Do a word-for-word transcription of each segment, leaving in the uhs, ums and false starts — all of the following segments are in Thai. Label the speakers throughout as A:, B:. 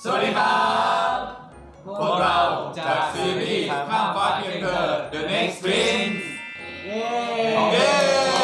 A: สวัสดีครับพวกเราจากซีรีส์ข้ามฟ้าเพียงเธอ The Next Prince เย้เย้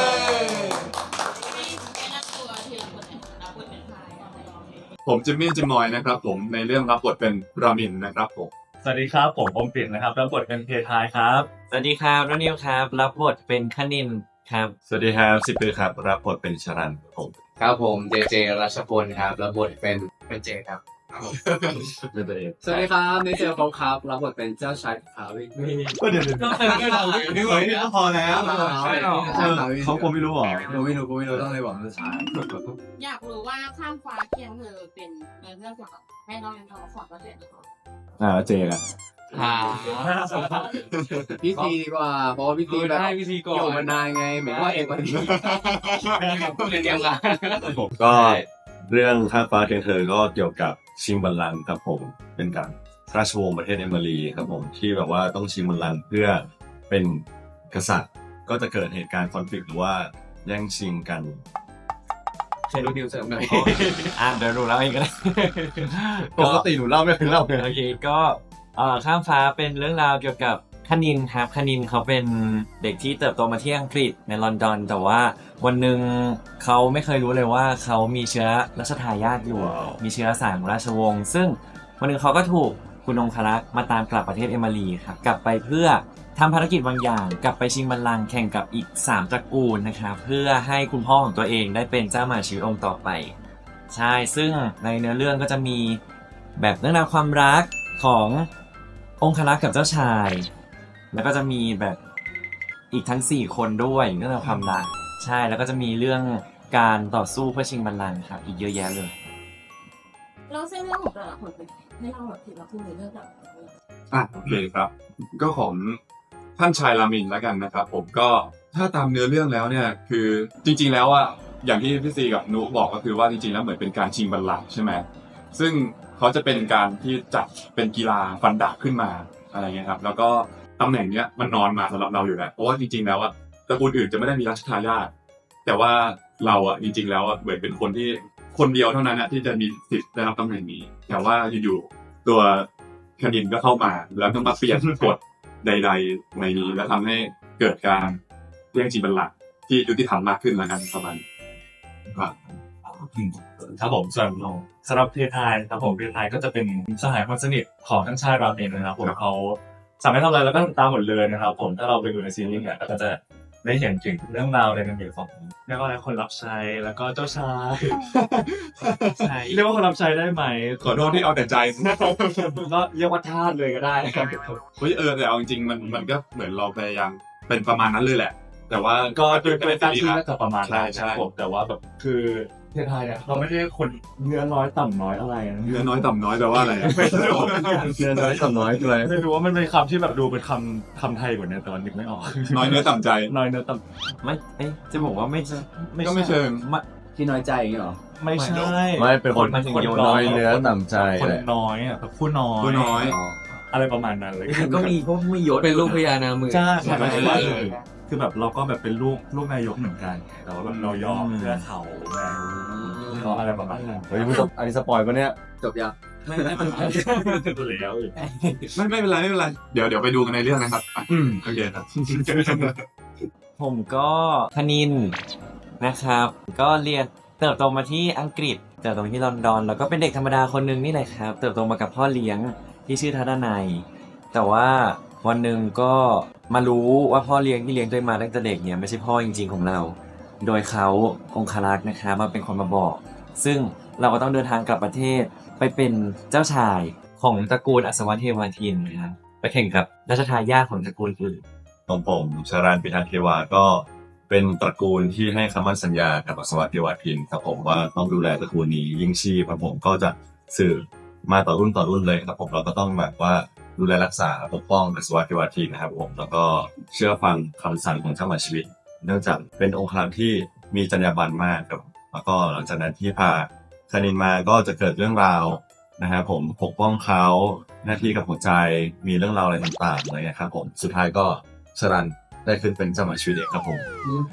A: ผมจิมมี่จิมมอยนะครับผมในเรื่องรับบทเป็นรามินนะครับผม
B: สวัสดีครับผมอมปิ่นนะครับรับบทเป็นเพทายครับ
C: สวัสดีครับรนิวครับรับบทเป็นคณินครับ
D: สวัสดีครับสิบปีครับรับบทเป็นชรันผม
E: ครับผมเจเจรัชพลครับรับบทเป็นเป็นเจครับ
D: เป็นตัวเอง
E: สวัสดีครับนิเจลเขาครับรับบทเป็นเจ้าชายขาววิ
D: ก็เดี๋ยวก็เติมให้เราไม่ไหวก็พอแล้วเขาคงไม่รู้หรอ
E: กูไม่รู้กูไม่รู้ต้องเลยบอกภาษา
F: อยากรู้ว่าข้ามฟ้าเคียงเธอเป็นเรื่องเกี่ยวกับให้เราเรียนทองสอนประเทศหรือเปล่า
D: อ่าเจอ่ะ
E: อ่าพี่ซีดีกว่าเพราะพี่ซีแบบอยู่มานานไงเหมือนว่าเอกมันเรียนเดียวกัน
D: ผมก็เรื่องข้ามฟ้าเคียงเธอก็เกี่ยวกับชิงบัลลังก์ครับผมเป็นการราชวงศ์ประเทศเอมิรีครับผมที่แบบว่าต้องชิงบัลลังก์เพื่อเป็นกษัตริย์ก็จะเกิดเหตุการณ์คอนฟ lict หรือว่าแย่งชิงกัน
E: ใช่ดูดิวเสริมหน่อย
C: อ่ะเดี๋ยวดูแล้วเองก็ได้
D: ปกติหนูเล่าไม่เคยเล่าเลย
C: โอเคก็ข้ามฟ้าเป็นเรื่องราวเกี่ยวกับคณินครับคณินเขาเป็นเด็กที่เติบโตมาที่อังกฤษในลอนดอนแต่ว่าวันหนึ่งเขาไม่เคยรู้เลยว่าเขามีเชื้อรัชทายาทอยู่มีเชื้อสายของราชวงศ์ซึ่งวันหนึ่งเขาก็ถูกคุณองครักษ์มาตามกลับประเทศเอมิรีครับกลับไปเพื่อทำภารกิจบางอย่างกลับไปชิงบัลลังก์แข่งกับอีกสามตระกูลนะครับเพื่อให้คุณพ่อของตัวเองได้เป็นเจ้ามหาชีวิตองค์ต่อไปใช่ซึ่งในเนื้อเรื่องก็จะมีแบบเรื่องราวความรักขององครักษ์กับเจ้าชายแล้วก็จะมีแบบอีกทั้งสี่คนด้วยเรื่องราวความรักใช่แล้วก็จะมีเรื่องการต่อสู้เพื่อชิงบัลลังก์ครับอีกเยอะแยะเลย
F: แล้วเส้นเรื่องของแต่ละคนเป็นให้เราแบบถึงเราพูดในเรื่องแบบ
A: อ่ะโอเคครับก็ของท่านชายรามินแล้วกันนะครับผมก็ถ้าตามเนื้อเรื่องแล้วเนี่ยคือจริงๆแล้วอ่ะอย่างที่พี่ซีกับนุบอกก็คือว่าจริงๆแล้วเหมือนเป็นการชิงบัลลังก์ใช่ไหมซึ่งเขาจะเป็นการที่จัดเป็นกีฬาฟันดาบขึ้นมาอะไรเงี้ยครับแล้วก็ตำแหน่งเนี้ยมันนอนมาสำหรับเราอยู่แล้วเพราะว่าจริงๆแล้วอ่ะตระกูลอื่นจะไม่ได้มีรัชทายาทแต่ว่าเราอ่ะจริงๆแล้วอ่ะเหมือนเป็นคนที่คนเดียวเท่านั้นนะที่จะมีสิทธิ์ได้รับตำแหน่งนี้แต่ว่าอยู่ๆตัวคณินก็เข้ามาแล้วก็มาเปลี่ยนกฎใดๆในนี้แล้วทำให้เกิดการแย่งชิงบัลลังก์ที่ยุติธรรมมากขึ้นแล้วกันประมาณครับ
B: ครับผมส่วนสำหรับเพทายครับผมเพทายก็จะเป็นสหายคนสนิทของทั้งชายราเมนนะครับผมเขาสามารถทำอะไรแล้วก็ตามหมดเลยนะครับผมถ้าเราไปดูในซีรีส์เนี่ยก็จะได้เห็นถึงเรื่องราวในการเกี่ยวของเรียกว่าอะไรคนรับใช้แล้วก็เจ้าชายใช่เรียกว่าคนรับใช้ได้ไหม
A: ขอโทษที่เอาแต่ใจ
B: ก็เรียกว่าทาสเลยก็ได้นะครับ
A: เฮ้ยเออแต่เอาจริงๆมันมันก็เหมือนเราพยายามเป็นประมาณนั้นเลยแหละแต่ว่า
B: ก็เป็นการที่น่าจะประมาณนั้นครับผมแต่ว่าแบบคือเพทายเนี่ยเราไม่ได้คนเนื้อน้อยต่ำน้อยอะไรนะ
A: เนื้อน้อยต่ำน้อยแปลว่าอะไร
B: ไม่รู้เนื้อน้อยต่ำน้อยอะไรไม่รู้ว่ามันเป็นคำที่แบบดูเป็นคำคำไทยกว่านี้แต่ว่านึกไม่ออก
A: น้อยเนื้อต่ำใจ
B: น้อยเนื้อต่ำ
C: ไม่เอ๊ะจะบอกว่าไม่
A: ก็ไม่เชิง
E: ที่น้อยใจอย่างนี้หรอ
B: ไม่ใช่
D: ไม่เป็นคนคนน้อยเนื้อต่ำใจ
B: คนน้อยอ่ะผู้น้อย
A: ผู้น้อย
B: อะไรประมาณนั้นเลย
E: ก็มีก็มียศเป็นลูกพญานาคมือ
B: ใช่ใช่คือแบบเราก็แบบเป็นลูกลูกนายกเหมือนกันแต่ว่าแบบเรายอมเพื่อเขาไงเขาอะไรประมาณนั้น
D: เฮ้ยอันนี้สปอยล์ปะเนี่ย
E: จบยัง
B: ไม่ไม่เป็นไรตัวแล้ว
A: ไม่ไม่เป็นไรไม่เป็นไรเดี๋ยวเดี๋ยวไปดูกันในเรื่องนะครับอืมโอเคครับ
C: ผมก็คณินนะครับก็เรียนเติบโตมาที่อังกฤษเติบโตมาที่ลอนดอนแล้วก็เป็นเด็กธรรมดาคนนึงนี่แหละครับเติบโตมากับพ่อเลี้ยงที่ชื่อทัดนัยแต่ว่าวันหนึ่งก็มารู้ว่าพ่อเลี้ยงที่เลี้ยงตัวมาตั้งแต่เด็กเนี่ยไม่ใช่พ่อจริงๆของเราโดยเขาองครักษ์นะครับมาเป็นคนมาบอกซึ่งเราก็ต้องเดินทางกลับประเทศไปเป็นเจ้าชายของตระกูลอัศวเทวทินนะครับไปแข่งกับรัชทายาทของตระกูลอื่น
D: ของผมชรันปิทักษ์เทวาก็เป็นตระกูลที่ให้คำมั่นสัญญากับอัศวเทวทินครับผมว่าต้องดูแลตระกูลนี้ยิ่งชีพครับผมก็จะสืบมาต่อรุ่นต่อรุ่นเลยครับผมเราก็ต้องแบบว่าดูแลรักษาปกป้องอัศวเทวทินนะครับผมแล้วก็เชื่อฟังคำสั่งของเจ้ามหาชีวิตเนื่องจากเป็นองค์ครักษ์ที่มีจรรยาบรรณมากครับแล้วก็หลังจากนั้นที่พาคณินมาก็จะเกิดเรื่องราวนะครับผมปกป้องเขาหน้าที่กับหัวใจมีเรื่องราวอะไรต่างๆอะไรเงี้ยครับผมสุดท้ายก็ชรันได้ขึ้นเป็นเจ้ามหาชีวิตเอกครับผม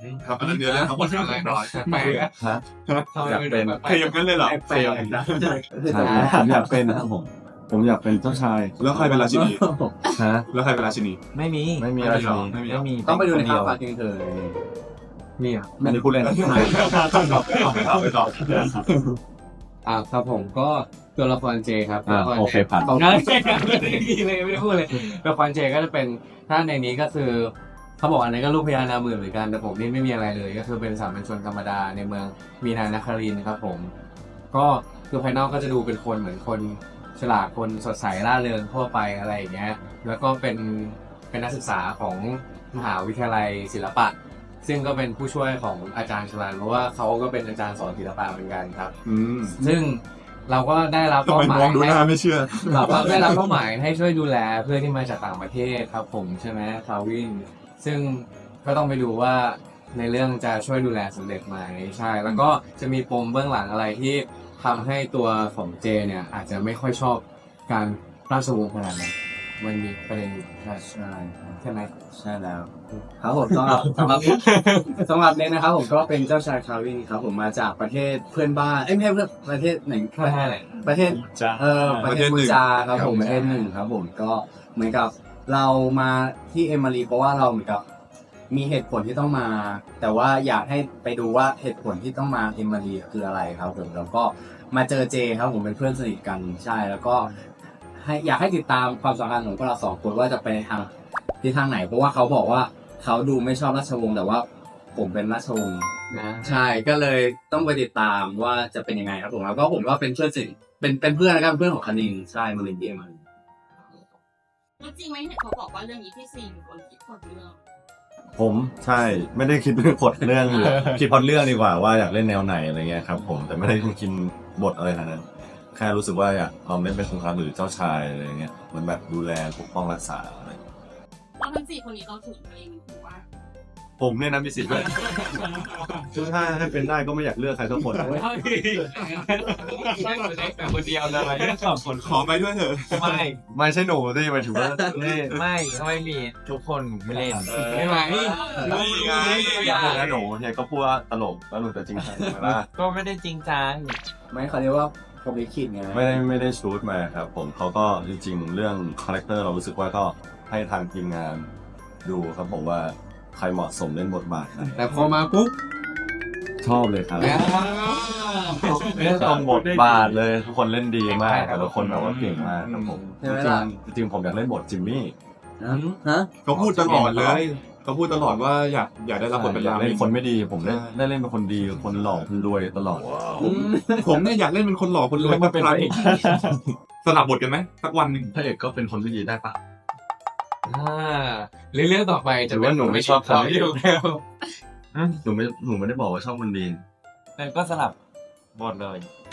A: ครับอันนั้นเนื้อเรื่องทั้งหมดอะไรน้อย
E: แปลก
D: ฮะอยากเป็น
A: ใครอย่างนั้นเลยเหรอ
E: แปลกนะ
D: ใช่ผมอยากเป็นนะครับผม ผมอยากเป็นเจ้าชาย
A: แล้วใครเป็นราชินี
D: ฮะ
A: แล้วใครเป็นราชินี
C: ไม่มี
D: ไม่มี
A: ไม่
D: อะไร
A: มีหรอไม่มีหรอ
C: ไม่มี
E: ต้องไปดูใน
C: เดี
E: ข่า
C: ยว ว
E: ฝากเองเถอะนี่อ่ะ
D: อันนี้พูดเล่น
A: ไปต่อ
E: อ่าครับผมก็ตัวละครเจครับ
D: อ่า
E: ตัวละร
D: โอเคผ่าน
E: เขาไม่ได้ดีเลยไม่ได้พูดเลยตัวละครเจก็จะเป็นถ้าในนี้ก็คือเขาบอกอันนี้ก็ลูกพญานาคหมื่นเหมือนกันแต่ผมนี่ไม่มีอะไรเลย ก็คือเป็นสามัญชนธรรมดาในเมืองมีนานครินทร์ครับผม ก็คือภายนอกก็จะดูเป็นคนเหมือนคนฉลาดคนสดใสร่าเริงทั่วไปอะไรอย่างเงี้ยแล้วก็เป็นเป็นนักศึกษาของมหาวิทยาลัยศิลปะ ซึ่งก็เป็นผู้ช่วยของอาจารย์ชลานเพราะว่าเขาก็เป็นอาจารย์สอนศิลปะเหมือนกันครับ
A: อืม
E: ซึ่งเราก็ได้รับ
A: ทำ
E: เป้า
A: ไม
E: หมาม
A: อย งดูหน้าไม่เชื่อ
E: เราก็ได้รับเป้าหมายให้ช่วยดูแลเพื่อนที่มาจากต่างประเทศครับผมใช่ไหมคาวินซึ่งก็ต้องไปดูว่าในเรื่องจะช่วยดูแลสำเร็จไหมใช่ แล้วก็จะมีปมเบื้องหลังอะไรที่ทำให้ตัวของเจเนี่ยอาจจะไม่ค่อยชอบการราชวงศ์ขนาดนั้นมันมีประเด็นอยู่ใช่
D: ใช่
E: ใช่ไหม
D: ใช่แล้ว
E: ครับผมสำหรับสำหรับสำหรับเน็กนะครับผมก็เป็นเจ้าชายคาวินครับผมมาจากประเทศเพื่อนบ้านเอ้ยไม่ใช่เพื่อนประเทศไหนประเทศไหนประเทศ
B: จ้า
E: เออประเทศ
A: ประเทศหนึ่
E: มู
A: ง
E: จาครับผมประเทศหนึ่งครับผมก็เหมือนกับเรามาที่เอมารีเพราะว่าเราเหมือนกับมีเหตุผลที่ต้องมา แต่ว่าอยากให้ไปดูว่าเหตุผลที่ต้องมาเอมารีคืออะไรครับผมแล้วก็มาเจอเจครับผมเป็นเพื่อนสนิทกันใช่แล้วก็ให้อยากให้ติดตามความสัมพันธ์ของพวกเราสองคนว่าจะไปในทางที่ทางไหน เพราะว่าเขาบอกว่าเขาดูไม่ชอบราชวงศ์แต่ว่าผมเป็นราชวงศ์นะใช่ก็เลยต้องไปติดตามว่าจะเป็นยังไงครับผมแล้วก็ผมก็เป็นเพื่อนสนิทเป็นเป็นเพื่อนนะครับเพื่อนของคณินใช่มารินเดียมา
F: แล้วจริงไหมเนี่ยเขาบอกว่าเรื่องนี้พี่ซีเป็นคนคิดคนเรื่อง
D: ผมใช่ไม่ได้คิดเรื่องพล็อตเรื่องหรือคิดพล็อตเรื่องดีกว่าว่าอยากเล่นแนวไหนอะไรเงี้ยครับผมแต่ไม่ได้คิดบทอะไรขนาดนั้นแค่รู้สึกว่าอยากลองเล่นเป็นสงครามหรือเจ้าชายอะไรเงี้ยเหมือนแบบดูแลปกป้องรักษาอะไร
F: แล้วทั้งสี่คนนี้เราถูกตัวเองถือว่า
D: ผมเนี่ยนะมีสิทธิ์ด้วยถ้าให้เป็นได้ก็ไม่อยากเลือกใครสักคน
C: แต่คนเดียวเลยไม่สองคน
A: ขอไปด้วยเถอะ
C: ไม่
D: ไม่ใช่หนูที่หมายถึงว่า
C: ไม่ไม่ก็ไม่มีทุกคนไม่เล่น
E: ไม่ไหม
A: นี่ไง
D: อยากเล่นนะหนูเฮียก็พูดว่าตลกแล้วหนูจะจริงจังไหมล่ะ
C: ก็ไม่ได้จริงจัง
E: ไม่เขาเรียกว่าผมลิขิตไง
D: ไม่ได้ไม่ได้ชูดมาครับผมเขาก็จริงๆเรื่องคาแรคเตอร์เรารู้สึกว่าก็ให้ทางทีมงานดูครับผมว่าใครเหมาะสมเล่นบทบาทไหน
E: แต่พอมาปุ๊บ
D: ชอบเลยครับเล่นตรงบทบาทเลยทุกคนเล่นดีมากแต่ละคนแบบว่าเก่งมากครับผม
E: ใช่ไหมล่ะ
D: จริงๆจริงๆผมอยากเล่นบทจิมมี่
E: ฮะ
A: เขาพูดตลอดเลยเขาพูดตลอดว่าอยากอยากได้รับบทเป็น
D: อยาก
A: รา
D: เล่
A: มิ
D: นคนไม่ดีผมได้ได้เล่นเป็นคนดีคนหล่อคนรวยตลอด
A: ผมเนี่ยอยากเล่นเป็นคนหล่อคนรวย
D: มาเป็นพระเอก
A: สลับบทกันไหมสักวันหนึ่ง
D: พระเอกก็เป็นคนที่ดีได้ปะ
E: อ่าเรื่องต่อไป
D: ห
E: จะ
D: รือว่าหนูไม่ชอบ
E: เขา
D: เขา
E: อยู่แล้ว
D: หนูไม่หนูไม่ได้บอกว่าชอบคนดี
C: แล้วก็สลับบทเลย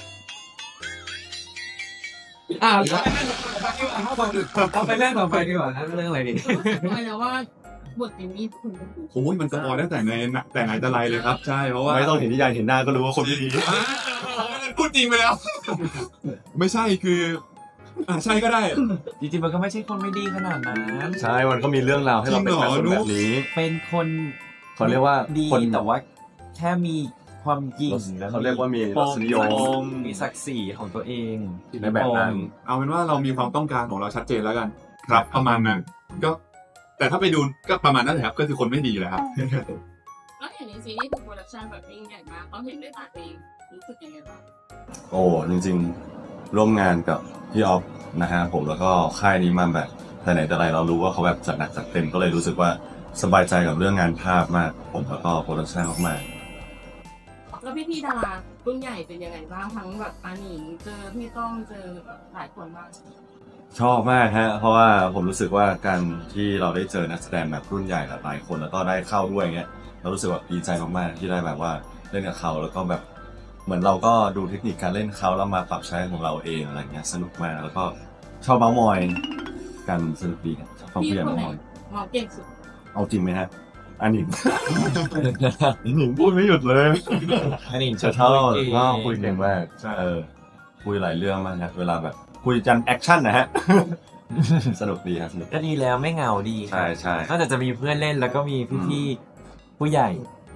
E: อ่าเอาไปเรื่องต่อไปดีกว่านะเรื่องอะไรดี
F: หมายถึงว่าบทเป็นมีคุณ
A: โอ้ยมันสปอยตั้งแต่ในแต่ไหนแต่ไรเลยครับ ใช่เพราะว่า
D: ไม่ต้องเห็นนิยายเห็นหน้าก็รู้ว่าคนไม่ดี
A: อ่าพูดจริงไปแล้ว ไม่ใช่คืออ่าใช่ก็ได้
C: จริงๆมันก็ไม่ใช่คนไม่ดีขนาดนั้น
D: ใช่มันก็มีเรื่องราวให้เราเป็นแบบคนแบบนี้
C: เป็นคน
D: เขาเรียกว่า
C: ดี
D: คน
C: แต่ว่าแค่มีความหยิ่ง
D: เขาเรียกว่ามีรสนิยม
C: มีศักดิ์ศรีของตัวเอง
D: ในแบบนั้น
A: เอาเป็นว่าเรามีความต้องการของเราชัดเจนแล้วกัน ครับประมาณนั้นก็ แต่ถ้าไปดูก็ประมาณนั้นแหละครับ ก็คือคนไม่ดีแหละครับ
F: แล้วอย่างในซีรีส์คือโปรดักชันแบบยิ่งใหญ่มากเขาเห็นด้วยตาตัวเองรู้สึกยังไงบ้าง
D: โอ้จริงๆ ร่วมงานกับพี่ออฟนะฮะผมแล้วก็ค่ายนี้มาแบบแต่ไหนแต่ไรเรารู้ว่าเขาแบบจัดหนักจัดเต็มก็เลยรู้สึกว่าสบายใจกับเรื่องงานภาพมากผมแล้วก็โปรดักชั่นมากๆ
F: แล้วพี่พี่ๆดารารุ่นใหญ่เป็นยังไงบ้างทั้งแบบอาหนิงเจอพี่ต้องเจอแบบหลายคนมาก
D: ชอบมากฮะเพราะว่าผมรู้สึกว่าการที่เราได้เจอนักแสดงแบบรุ่นใหญ่หลายคนแล้วก็ได้เข้าด้วยเงี้ยเรารู้สึกแบบดีใจมากๆที่ได้แบบว่าเล่นกับเขาแล้วก็แบบเหมือนเราก็ดูเทคนิคการเล่นเขาแล้วมาปรับใช้ของเราเองอะไรเงี้ยสนุกมากแล้วก็ชอบเมาส์มอยกันสนุกดีครับชอบฟัง
F: พี่
D: เพื่อน
F: คน
D: เมาส์
F: ไหน
D: มอย
F: มองเก่งสุด
D: เอาจริงไหมฮะอันหนิง อันหนิงพูดไม่หยุดเลย
C: อันนี้
D: จะชอบก็คุยเก่งมากเออคุยหลายเรื่องมากนะเวลาแบบคุยกันแอคชั่นนะฮะ สนุกดีครับสนุก
C: ก็ดีแล้วไม่เหงาดี
D: ใช่ใช่
C: นอกจากจะมีเพื่อนเล่นแล้วก็มีพี่ๆผู้ใหญ่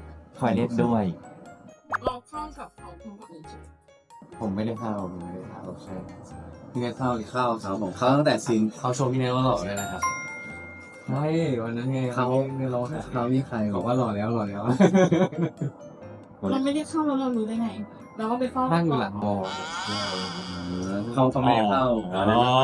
C: อยเล่นด้วย
F: เราเข้ากับเขาคนอื่น
E: ผมไม่ได้เข้าผมไม่ได้เข้าใช่พี่เนทเข้าเข้าครับผมเข้าตั้งแต่ซีน
C: เขาโชว์พี่เนทว่าหล่อเลยนะครับใช่วันนั้นไง
E: เขาเราเขามีใครบอกว่าหล่อแล้วหล่อแล้ว
F: เราไม่ได้เข้าแล้วเรารู้ได้ไง เราก็ไปเฝ้า
C: นั่งอยู่หลังบอ
E: เขาเขาไม่ได้เข้า
B: อ๋อ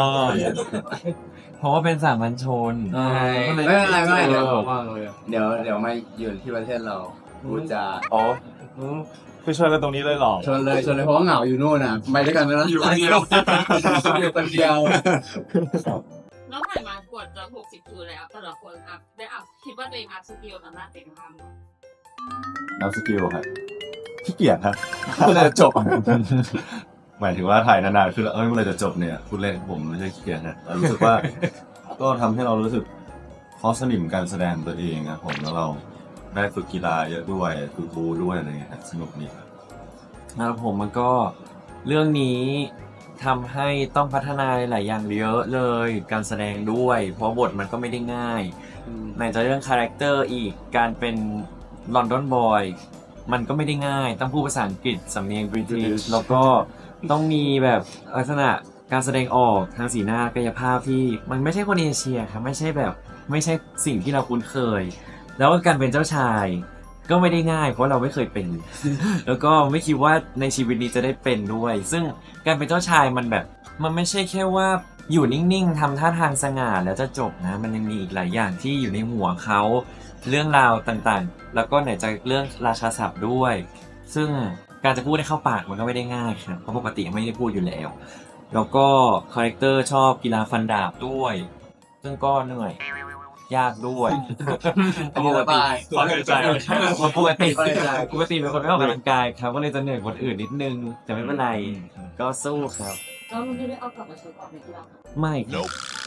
C: เพราะว่าเป็นสามัญชน
E: ไม่เป็นไรไม่เป็นไรเดี๋ยวเดี๋ยวเดี๋ยวมาอยู่ที่ประเทศเราพูดจา
B: อ๋อคือชวนกันตรงนี้เลยเหรอ
E: ชวนเลยชวนเลยเพราะว่าเหงาอยู่นู่นน่ะไปด้วยกันไหมล่ะอยู่คนเดียวอยู่คนเดียว
F: แล้วถ่ายมากวดจะหกสิบคิวแล้วแต่ละคนอัพได้อัพคิดว่าตัวเองอัพสกิลตามหน้าเต็มทำ
D: นับสกิลครับขี้เกียจครับเมื่อไรจะจบ หมายถึงว่าถ่ายนานๆคือเอ้ยเมื่อไรจะจบเนี่ยพูดเล่นผมไม่ใช่ขี้เกียจนะแต่รู้สึกว่า ก็ทำให้เรารู้สึกเพราะสนิมการแสดงตัวเองนะผมแล้วเราได้ฝึกกีฬาเยอะด้วยฝึกบูด้วยอะไรเงี้ยสนุกดีครับ
C: แล้วผมมันก็เรื่องนี้ทำให้ต้องพัฒนาหลายอย่างเยอะเลยการแสดงด้วย เพราะบทมันก็ไม่ได้ง่ายไหนจะเรื่องคาแรคเตอร์อีกการเป็นลอนดอนบอยมันก็ไม่ได้ง่ายต้องพูดภาษาอังกฤษสำเนียงบริติชแล้วก็ต้องมีแบบลักษณะการแสดงออกทางสีหน้ากายภาพที่มันไม่ใช่คนเอเชียครับไม่ใช่แบบไม่ใช่สิ่งที่เราคุ้นเคย แล้วการเป็นเจ้าชายก็ไม่ได้ง่ายเพราะเราไม่เคยเป็น แล้วก็ไม่คิดว่าในชีวิตนี้จะได้เป็นด้วย ซึ่งการเป็นเจ้าชายมันแบบมันไม่ใช่แค่ว่าอยู่นิ่งๆทำท่าทางสง่าแล้วจะจบนะมันยังมีอีกหลายอย่างที่อยู่ในหัวเขาเรื่องราวต่างๆแล้วก็ไหนจะเรื่องราชาศัพท์ด้วย ซึ่งการจะพูดให้เข้าปากมันก็ไม่ได้ง่ายครับเพราะปกติไม่ได้พูดอยู่แล้วแล้วก็คาแรคเตอร์ชอบกีฬาฟันดาบด้วย ซึ่งก็เหนื่อยยากด้วย
E: ปกติ
B: ขอใจ
C: ปกติปกติเป็นคนไม่ออกกำลังกายครับก็เลยจะเหนื่อยกว่าคนอื่นนิดนึงแต่ไม่เป็นไรก็สู้ครับ
F: แล้วมันไม่ได้เอากลับมาใช้ต่อในกีฬา
C: ไม่ครับ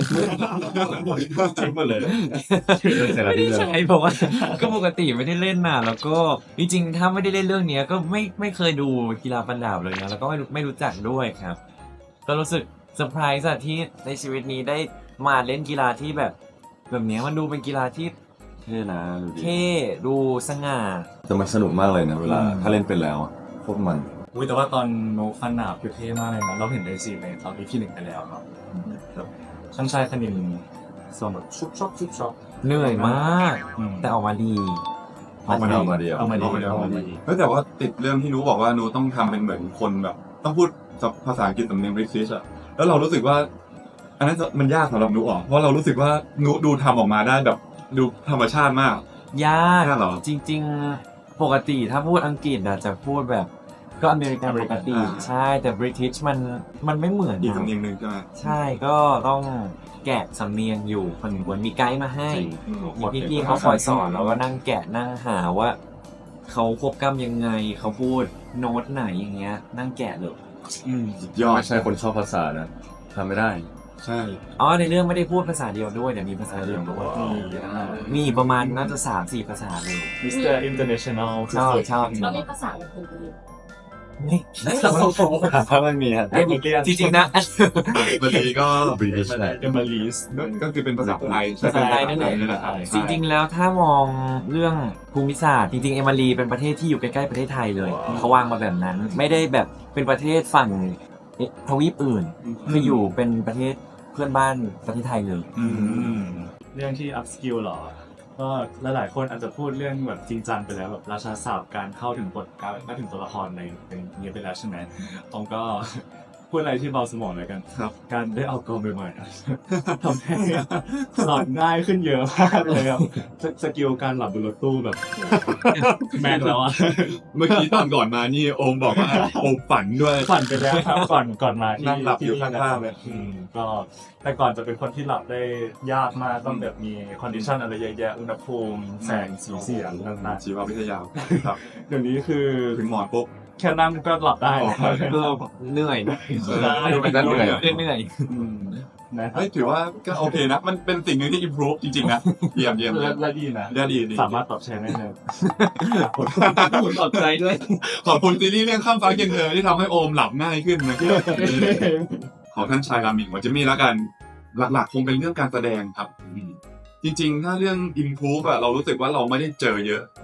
B: ทิ้งหมดเลย
C: ไม่ใช่เพราะว่าก็ปกติไม่ได้เล่นน่ะแล้วก็จริงๆถ้าไม่ได้เล่นเรื่องนี้ก็ไม่ไม่เคยดูกีฬาฟันดาบเลยนะแล้วก็ไม่รู้ไม่รู้จักด้วยครับ ก็รู้สึกเซอร์ไพรส์อะที่ในชีวิตนี้ได้มาเล่นกีฬาที่แบบแบบนี้มันดูเป็นกีฬาที่
D: เท่นะดูดิ
C: เท่ดูสง่า
D: แต่มันสนุกมากเลยนะเวลาถ้าเล่นเป็นแล้วอะโคตรมัน
B: อุ้ยแต่ว่าตอนโนฟันหนาบคือเท่มากเลยนะเราเห็นในซีนในตอนที่หนึ่งไปแล้วเนาะแบบช่างชายคณินส่วนแบบชุบชอบชุบชอบ
C: เหนื่อยมาก
B: อืม
C: แต่ออกมาดี
D: เอามาดีเอามาดี
B: เอามาดี
A: เอามาดี
B: เอามาดี
A: เฮ้ยแต่ว่าติดเรื่องที่นูบอกว่านูต้องทำเป็นเหมือนคนแบบ ต้องพูดภาษาอังกฤษสำเนียงบริติชอะแล้วเรารู้สึกว่า อันนั้นมันยากสำหรับนูอ่ะเพราะเรารู้สึกว่านูดูทำออกมาได้แบบดูธรรมชาติมาก
C: ยาก
A: ยากเหรอ
C: จริงๆปกติถ้าพูดอังกฤษอะจะพูดแบบก็อเมริกันปกติ
A: อ่า
C: ใช่แต่บริติชมันมันไม่เหมือน
A: อีก
C: นะ
A: สำเนียงหนึ่งใช่ไหม
C: ใช่ก็ต้องแกะสำเนียงอยู่คนหนึ่งคนมีไกด์มาให้มีพี่ๆเขาคอยสอนแล้วก็นั่งแกะนั่งหาว่าเขาควบกล้ำยังไงเขาพูดโน้ตไหนอย่างเงี้ย นั่งแกะเลยอืม
A: ยอด
D: ไม่ใช่คนชอบภาษานะทำไม่ได้
A: ใช่
C: อ๋อในเรื่องไม่ได้พูดภาษาเดียวด้วยเดี๋ยวมีภาษาเดียวด้วยมีประมาณน่าจะสามสี่ภาษาเลย
B: มิสเตอร์อินเตอร์เนชั่นแนล
C: ชอบชอบ
F: แล้วมีภาษาอื่น
C: นี่
D: ถ้ามันมีครับ
C: จริงๆนะ
A: บางทีก็
D: British ใช่
B: เอมิลีส
A: ก็คือเป็นภาษาไทย
C: ภาษาไทยนั่นเอง
A: แหละครับ
C: จริงๆ แล้วถ้ามองเรื่องภูมิศาสตร์จริงๆ เอมารีเป็นประเทศที่อยู่ใกล้ๆประเทศไทยเลยเขาวางมาแบบนั้น ไม่ได้แบบเป็นประเทศฝั่งทวีปอื่นคืออยู่เป็นประเทศเพื่อนบ้านประเทศไทยเลย
B: เรื่องที่ up skill หรอ ก็หลายๆคนอาจจะพูดเรื่องแบบจริงจังไปแล้วแบบราชาศัพท์การเข้าถึงบทการเข้าถึงตัวละครในเป็นนี้ไปแล้วใช่ไหมผมก็พูดอะไรที่เบาสมองเลยกัน
A: ครับ
B: การได้ออกกองใหม่ๆอะ ทำให้หลับง่ายขึ้นเยอะมากเลยครับสสกิลการหลับบนรถตู้แบบ แมนแล้วอะ
A: เมื่อกี้ตอนก่อนมานี่โอมบอกว่าโอมฝันด้วย
B: ฝันไปแล้วครับก่อนก่อนมาที่
A: นั่งหลับอยู่
B: ที่นี่
A: ข้างๆเลย
B: อืมก็แต่ก่อนจะเป็นคนที่หลับได้ยากมากต้องแบบมีคอนดิชันอะไรเยอะแยะอุณหภูมิแสงสีเสียงต่าง
A: ชีววิทยาครับ
B: ๆเดี๋ยวนี้คือ
A: ถึงหมอนปุ๊บ
B: แค่นั่งก็หลับได้
A: อ๋อ
C: ก็เหนื่อยนะ
A: ดูเป็นเหนื่อย
C: เหนื่อย
B: อืมนะครับ
A: เฮ้ยถือว่าก็โอเคนะ มันเป็นสิ่งหนึ่งที่ improve จริงๆนะ เยี่ยมเยี่ยม
B: และ
A: เยี่ยม
B: และดีนะ
A: เยี่ยมดีดี
B: สามารถตอบแชร์ได้เลย
C: ขอบใจด้วย
A: ขอบคุณซีรีส์เรื่องข้ามฟ้าเคียงเธอที่ทำให้โอมหลับง่ายขึ้นนะของท่านชายรามิงของเจมี่แล้วกัน หลักๆ คงเป็นเรื่องการแสดงครับ จริงๆ ถ้าเรื่อง improve อะเรารู้สึกว่าเราไม่ได้เจอเยอะ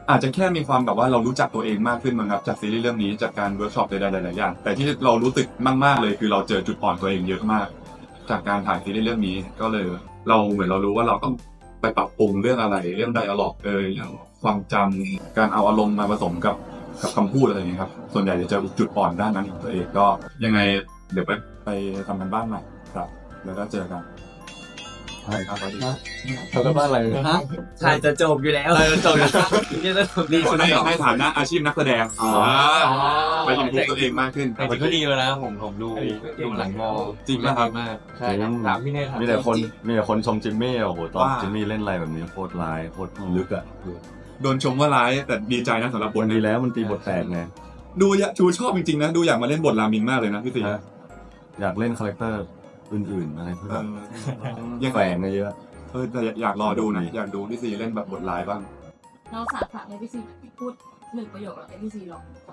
A: อาจจะแค่มีความแบบว่าเรารู้จักตัวเองมากขึ้นมั้งครับจากซีรีส์เรื่องนี้จากการเวิร์กช็อปใดๆหลายๆอย่างแต่ที่เรารู้สึกมากๆเลยคือเราเจอจุดอ่อนตัวเองเยอะมาก จากการถ่ายซีรีส์เรื่องนี้ก็เลยเราเหมือนเรารู้ว่าเราต้องไปปรับปรุงเรื่องอะไรเรื่องไดอะล็อกเอยอย่างความจำการเอาอารมณ์มาผสมกับกับคำพูดอะไรอย่างเงี้ยครับส่วนใหญ่จะเจอจุดอ่อนด้านนั้นของตัวเองก็ยังไงเดี๋ยวไปไปทำกันบ้านใหม่ครับแล้วก็เจอกันใช่ครับสวัสดีครับ
C: ทำกันบ้านอะไรฮะถ่ายจะจบอยู่แล้วถ่ายจะจบอยู่แล้วนี่จะจบ
A: นี่ในในฐานะอาชีพนักแสดงไปอินพูตัวเองมากขึ้น
C: แต่มันก็ดีแล้วนะผมผมดูดูหลังมอ
A: จริงป่ะครับ
C: มากใช่ครับถามพี่เนธครับ
D: มีแต่คนมีแต่คนชมจิมมี่โอ้โหตอน
A: ว่า
D: จิมมี่เล่นอะไรแบบนี้โคตรร้ายโคตรลึกอ่ะ
A: โดนชมว่าร้ายแต่ดีใจนะสำหรับบท
D: วัน
A: นี้
D: ดีแล้วมันตีบทแตกไง
A: ดูอยากชูชอบจริงๆนะดูอยากมาเล่นบทรามินมากเลยนะพี่ตี
D: ฮะอยากเล่นคาแรคเตอร์อื่นๆอะไรที่แบบ
A: ยัง
D: แฝงมาเยอะ
A: เออแต่อยากรอดูนะอยากดูพี่ซีเล่นแบบบทร้ายบ้าง
F: เราสาฝากให้พี่ซีพูดหนึ่งประโยคแล้วให้พี่ซีลองตอบ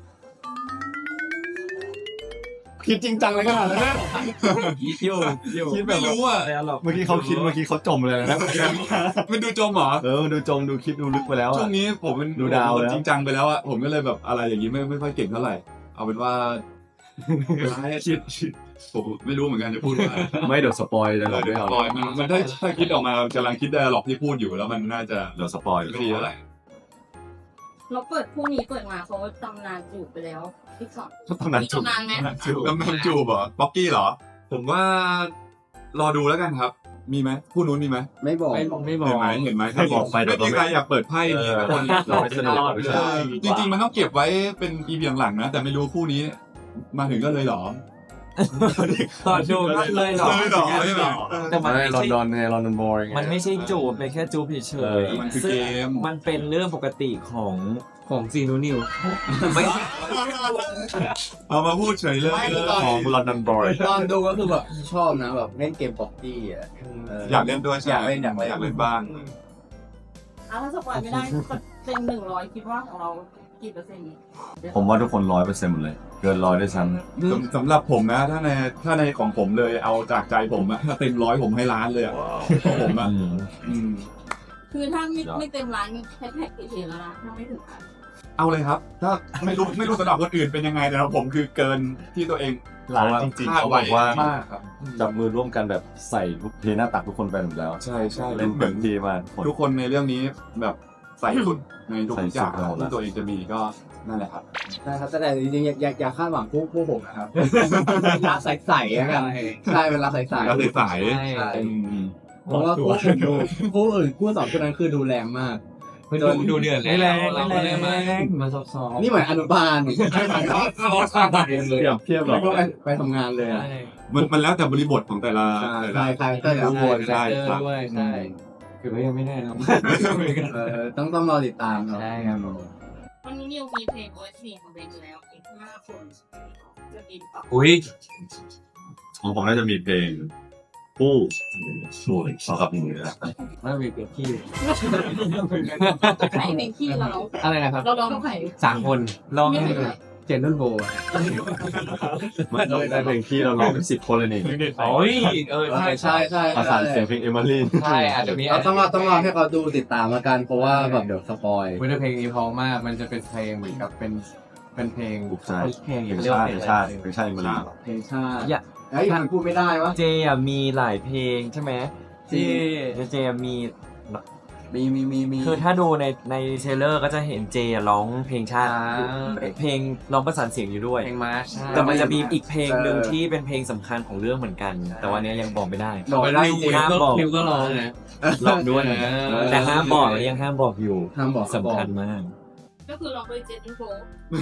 A: คิดจริงจังเลยขนาดนั้น
C: อยู่อยู่
A: คิดแบบรู้อ่ะ
D: เมื่อกี้เขาคิดเมื่อกี้เขาจมเลยนะ
A: มันดูจมเหรอ
D: เออดูจมดูคิดดูลึกไปแล้ว
A: ช่
D: อ่ะ
A: วงนี้ผมเป็น
D: ดูดาวแล้ว
A: จริงจังไปแล้วอ่ะผมก็เลยแบบอะไรอย่างนี้ไม่ไม่ค่อยเก่งเท่าไหร่ เอาเป็นว่าคิดผมไม่รู้เหมือนกันจะพูดว่า
D: ไม่เดี๋ยวสปอยจะหลอก
A: เดี๋
D: ด้
A: ยว วย
D: เอา
A: สปอยมันมันถ้าถ้าคิดออกมากำลังคิดได้หรอกที่พูดอยู่แล้วมันน่าจะ
D: เดี๋ยวสปอย
A: ไม่ดีเท่าไหร่
F: เราเปิดคู่นี้เปิดมาเขาตำนานจูบไปแล้วอีกสอง
D: ตอนนั้นจบ
F: ตำนานไหม
A: จูบกำลังจูบเหรอป๊อกกี้เหรอ ผมว่ารอดูแล้วกันครับ มีไหมคู่นู้นมีไหม
E: ไม่บอก
C: ไม่ไม่บอ
A: เห็
C: ก
A: นไหมเห็นไหมถ้าบอก
D: ไปเดี๋
A: ไม่
D: ยว
A: มีใครอยากเปิดไพ่
D: เออ
A: คน
D: เราไม่สนุก
A: เออจริงๆมันต้องเก็บไว้เป็นอีพีหลังๆนะ แต่ไม่รู้คู่นี้ มาถึงก็เลยเหรอ
C: ตอนดูก็เลยหรอ
A: เลยเหรอใช่ไหม
C: แต่มัน
D: ไม่
C: ไม่
D: ลอน
C: ใช่
D: ดอนไงลอนดอนบอยไง
C: มันไม่ใช่จูบเป็นแค่จูบเฉ
D: เอย อ
A: มันคือ
C: ซึ่ง
A: เกม
C: มันเป็นเรื่องปกติของของซีนูนิวไม่
A: เอามาพูดเฉยเลย
D: ของลอนดอนบอย
E: ตอนดูก็คือแบบชอบนะแบบเล่นเกมบ็อกกี้อ่ะเ
A: อยากเล่นด้วยใช่
E: อยากเล่นอยากเล่น
A: อยากเล่นบ้าง
F: อ่ะถ้าสปอยไม่ได้เต็มหนึ่งร้อยคิดว่าของเรากี่เปอร์เซ็นต์
D: ผมว่าทุกคนร้อยเปอร์เซ็นต์หมดเลย เกินร้อยด้วยซ้
A: สำสำหรับผมนะ ถ้าในถ้าในของผมเลยเอาจากใจผมอะถ้าเต็มร้อยผมให้ล้านเลยอะของผมอะ
D: ำ
A: อืม
F: คือถ้าไม่ไม่เต็มร้านนี่แฮชแท็กเฉยๆแล้วนะถ้าไม่ถึงพัน
A: เอาเลยครับ ถ้าไม่รู้ไม่รู้สำหรับคนอื่นเป็นยังไงแต่สำหรับผมคือเกินที่ตัวเอง
D: ร้านจริงๆ
A: คาด
D: เขาบ
A: ไว้
D: อกว่า
A: มากครับ
D: จับมือร่วมกันแบบใส่ทุกเทหน้าตักทุกคนไปหมดแล้ว
A: ใช่ใช่
D: เล่น
A: เห
D: เต็
A: มือน
D: มที่มาก
A: ทุกคนในเรื่องนี้แบบใส่สุดในทุก
D: ใส่
A: อ
D: สุ
A: ย่า
D: ด
A: ง
D: ไปหมดแล้ว
A: ที่ตัวเองจะมีก็นั่นแหละครับ
E: ใช่ครับแต่จริงๆอย่าอย่าอย่าคาดหวังคู่คู่ผมนะครับรักใสๆแล้วกันใช่เป็นรักใสๆ
A: แล้วใส
E: ใช่
A: ๆอืม
E: เพราะว่าคู่อื่นดูคู่อื่นคู่สองคู่นั้นคือดูแรงมาก
C: ดูดูเดือดเลยแรงไม่แรงไม่แรงมาซอฟๆ
E: นี่เหมือนอนุบาล
D: เปรียบเทียบหร
E: แล้
D: อ
E: วก็ไปไปทำงานเลยอ่ะ
A: มันมันแล้วแต่บริบทของแต่ละ
E: ใช่
A: แต่
E: ใช่
A: ละ
E: ใช่ใช่
A: ทุกคนใช่ครับ
C: ด้วยใช่คือไม่ยังไม่แน่นะ
E: เออต้องต้องรอติดตามเนาะ
C: ใช่ครับ
F: วันนี้นิวมีเพลงโอเอสพีของเบนอยู่แล้วอีกห้าคนจะมีต่อ
C: อุ้ย
D: ของผมน่าจะมีเพลงผู้สวยสำหรับมือนะ
C: ไม่มีเปลี่ยนที่
F: ใครเพลงที่เราร้อง
C: อะไรนะครับ
F: เราร้องกับใคร
C: สามคนลอง
F: ไม่
C: ให้
F: ถึง
C: ดู
F: ไหน
E: เจนนุ่นโบอะ
D: ไม่ต้องได้เพลงที่เราร้องเป็นสิบคนเลยนี่
C: โอ้ยเออใช่
E: ใช่ใช่
D: ประสานเสียงเพลงเอมิลี่
C: ใช่อาจจะมี
E: เราต้องรอต้องรอให้เขาดูติดตามละกันเพราะว่าแบบเดี๋ยวสปอย
G: วิธีเพลงนี้เพราะมาก มันจะเป็นเพลงเหมือนกับเป็นเป็นเพลง
D: ถูกใจ
C: เพลง
D: เพลงชาติเพลงชาติเพลงชาติเอมิลี่
E: เพลงชาติ
C: อย่า
E: เอ้ยมันพูดไม่ได้วะ
C: เจอ่ะมีหลายเพลงใช่ไหม
E: จริง
C: เจอ่ะมี
E: มีมีมีมี
C: คือถ้าดูในในเทรลเลอร์ก็จะเห็นเจอ่ะร้องเพลงชาติ
G: อ่า
C: เพลงร้องประสานเสียงอยู่ด้วย
G: เพลงมาร์ช
C: แต่มันจะมีอีกเพลงหนึ่งที่เป็นเพลงสำคัญของเรื่องเหมือนกัน แต่วันนี้ยังบอกไม่ได้
E: บอกไม่ได้จริง
C: ห้ามบอก
G: คิวก็ร้องนะ
C: ลองด้วยนะ
G: เออ
C: แต่ห้ามบอกยังห้ามบอกอยู่
E: ห้ามบอก
C: สำคัญมาก
F: ก็คือร้องด้วยเจนนี่โบ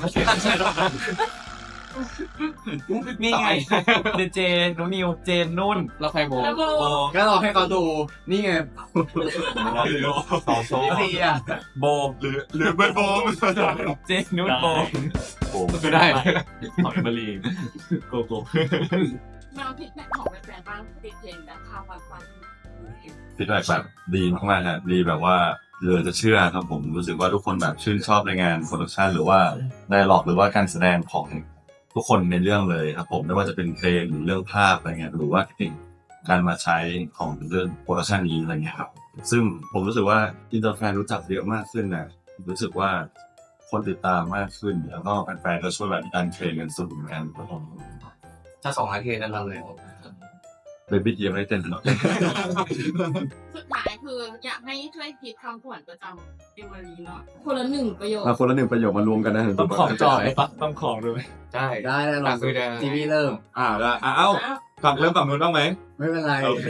C: นี่ไงเดเจนุนิวเจนนุ่น
G: แล้วใครโบ
F: แล้วโบ
E: ก็รอให้เขาดูนี่ไง
D: ต่อโซ่
E: ดีอ่ะ
C: โบ
A: หรือหรือเบอร์โบม
C: เจนนุ่นโบ
D: โอ้
G: ก็ได้
B: ของเอมิลี่โกโก้
F: มาพิดแม่ของแฟนๆบ้างติดเพลงแบบข้าววันวัน
D: ฟีดแบ็กแบบดีมากๆฮะดีแบบว่าเหลือจะเชื่อครับผมรู้สึกว่าทุกคนแบบชื่นชอบในงานโปรดักชันหรือว่าไดอะล็อกหรือว่าการแสดงของทุกคนในเรื่องเลยครับผมไม่ว่าจะเป็นเพลงหรือเรื่องภาพอะไรเงี้ยหรือว่าการมาใช้ของเรื่องโปรดักชันนี้อะไรเงี้ยครับซึ่งผมรู้สึกว่าอินเตอร์แฟนรู้จักเยอะมากขึ้นนะรู้สึกว่าคนติดตามมากขึ้นแล้วก็แฟนๆก็ช่วยแบบดันเทรนกันสุดเหมือนกันครับผม
G: ถ้าสองอาทิตย์นั้นเราเลย
D: เบบี้เกียร์ไม่ได้เต้นหรอก
F: สุดท้ายคืออยากให้ช่วยคิดคำขวัญประจำเอมารีเนาะคนละหนึ่งประโยค
D: มาคนละหนึ่งประโยคมารวมกันนะ
B: ต้องของจ่อยปะต้องของด้วย
G: ได้
E: ได้แล้ว
G: ต่างคือจะ
E: ทีวีเริ่ม
A: อ่าได้อ่าเอ้าฝั่งเริ่มฝั่งนู้นบ้างไหม
E: ไม่เป็นไร
A: โอเค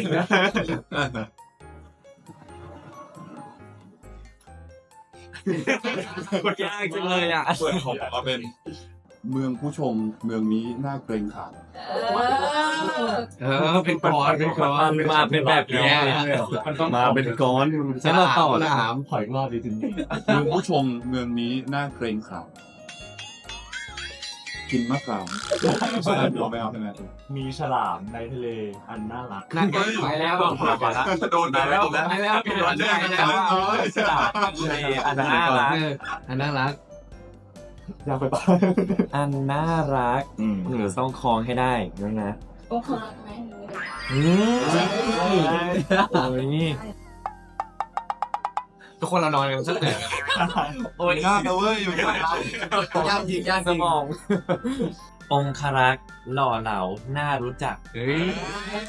C: ยากจังเลยอ่ะ
A: ส่วนของผมก็เป็นเมืองผู้ชมเมืองนี้น่าเกรงขาม
F: เออ
G: เออเป็นก้อนเป็นก้อน
C: มาเป็นแบบนี้
B: มันต้อง
D: มาเป็นก้อน
G: ฉันเราต่อละ
B: ถามขอยรอบดีจริง
A: เมืองผู้ชมเมืองนี้น่าเกรงขามกินมะขามเอาไม่เอาใช่ไหม
B: มีฉลามในทะเลอันน่ารัก
G: นั่นก็ไปแล้ว
A: โดนไปแล้ว
G: ไปแล้วไปแล้วไปแล้ว
C: ฉลามทะเลอันน่ารัก
G: อันน่ารัก
B: อยากไปปะ
C: อันน่ารัก
D: อืม
C: หรือต้องคล้องให้ได้นะนะ
F: โอ้โหไหม
C: อืมโอ้ย
G: ทุกคนเรานอนกันสักแต่
C: โอ้ย
A: ยากนะเว้ยอยู่ที่ไหน
E: ยากจริงยากจ
C: ส
E: ริง
C: มอง องคารักษ์หล่อเหลาน่ารู้จัก
G: เฮ้ย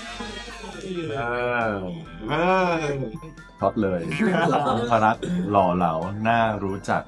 D: ท็อปเลยองครักษ์หล่อเหลาน่ารู้จัก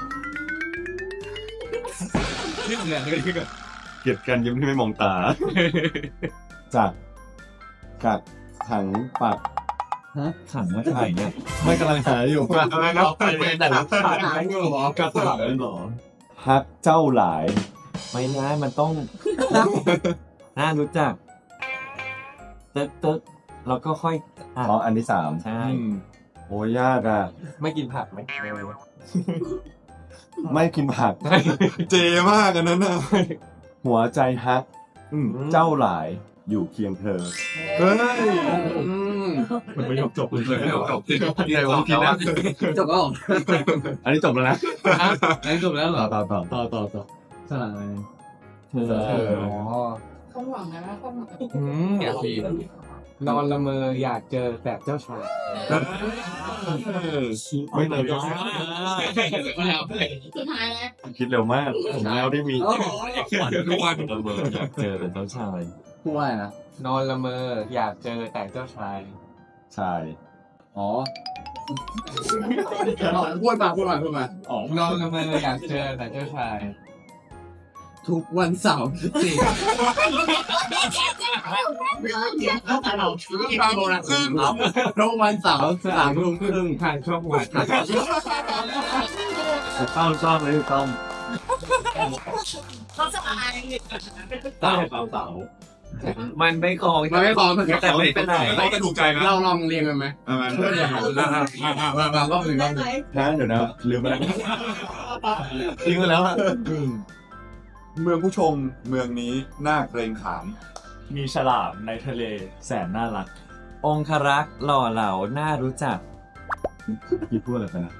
G: นี่เหมือนกันที่กับ
D: เกลียดกันยิ้มที่ไม่มองตา จากกัดถังปัก
C: ขังว่าไข่เนี่ย
D: ไม่กำลังหาอยู่ว่า
G: อะไรนะไปเป็นแต่ละขาดไม่รู้หรอก
D: ระถังหรอฮักเจ้าหลาย
C: ไม่ได้มันต้อง น่ารู้จักตึ๊กตึ๊กแล้วก็ค่อยอ่ะ
D: อ๋ออันที่สาม
C: ใช่
D: โอ้ยยากอ่ะ
G: ไม่กินผักไหม
D: ไม่กินผัก
A: เจมากอันนั้นน่ะ
D: หัวใจฮักเจ้าหลายอยู่เคียงเธอ
A: เฮ้ย
B: มันไม่ยกจบเลย
A: จบจริง
G: เดี๋ยวผมกินแล้วจบแล้ว
D: อันนี้จบแล้วนะ
G: อันนี้จบแล้วเหรอ
D: ต่อต่อต่อ
B: ต่อต่อต่อ
G: สลับอะไร
C: เธอ
G: เอออ๋อ
F: ความหวังนะความหวัง
G: อืมอยากกินนอนละเมออยากเจอแบบเจ้าชาย
D: ไม่เลย
F: สุดท้ายแล้ว
D: คิดเร็วมากผมแล้วได้มี
A: ทุกวัน
C: อยากเจอเป็นเจ้าชาย
E: พูดว่าอะไรนะ
G: นอนละเมออยากเจอแต่เจ้าชาย
D: ชาย
E: อ๋อพูดมาพูดมาพูดมา
G: นอนละเมออยากเจอแต่เจ้าชาย
E: ทุกวันเสาร์สี่
A: ซึ่ง
E: ทุกวันเสาร์สามทุ่มครึ่ง
G: ผ่านช่องวัน
D: ต้องชอบเลยต้อง
F: เขาจะอะไร
B: ใต้เสาเสา
C: มันไม่คล้อง
E: มันไม่พอมัน
C: แต่ไม่เป็นไร
A: เราจะถูกใจนะ
E: เราลองเรียงกันไหม
A: เอามา
E: มามา รอบหนึ่งรอบหนึ่ง
D: นะเดี๋ยวนะลืมไปแล้วทิ้งไปแล้วอะ
A: เมืองผู้ชมเมืองนี้น่าเกรงขาม
B: มีฉลามในทะเลแสนน่ารัก
C: องคารักษ์หล่อเหลาน่ารู้จัก
D: พี่พูดอะไรไปนะ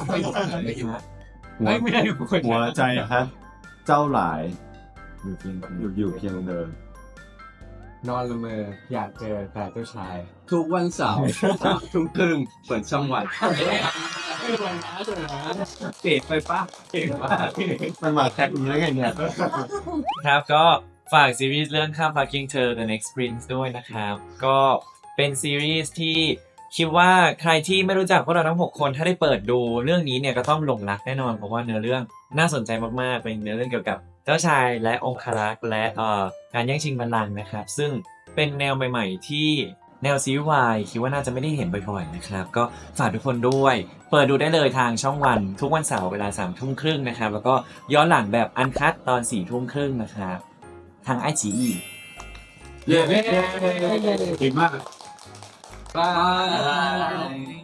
G: ไม่ไม่ได้คน
D: หัวใจฮะเจ้าหลายอยู่เพียงอยู่อยู่เพียงเดิม
G: นอนละเมออยากเจอแต่เจ้าชาย
E: ทุกวันเสาร์สามทุ่มครึ่งเปิดช่องวัน
C: เก๋ไปปะเก๋ปะ
D: มันมาแท็กนี้ได้ไงเนี่ย
C: ครับก็ฝากซีรีส์เรื่องข้ามฟ้า King Cher The Next Prince ด้วยนะครับ ก็เป็นซีรีส์ที่คิดว่าใครที่ไม่รู้จักพวกเราทั้งหกคนถ้าได้เปิดดูเรื่องนี้เนี่ยก็ต้องหลงรักแน่นอนเพราะว่าเนื้อเรื่องน่าสนใจมากๆเป็นเนื้อเรื่องเกี่ยวกับเจ้าชายและองครักษ์และเอ่อการแย่งชิงบัลลังก์นะครับซึ่งเป็นแนวใหม่ๆที่แนวซีรีส์วายคิดว่าน่าจะไม่ได้เห็นบ่อยๆนะครับก็ฝากทุกคนด้วยเปิดดูได้เลยทางช่องวันทุกวันเสาร์เวลาสามทุ่มครึ่งนะครับแล้วก็ย้อนหลังแบบอันคัตตอนสี่ทุ่มครึ่งนะครับทางไอจีอี
A: เย้เก่งมาก
G: บาย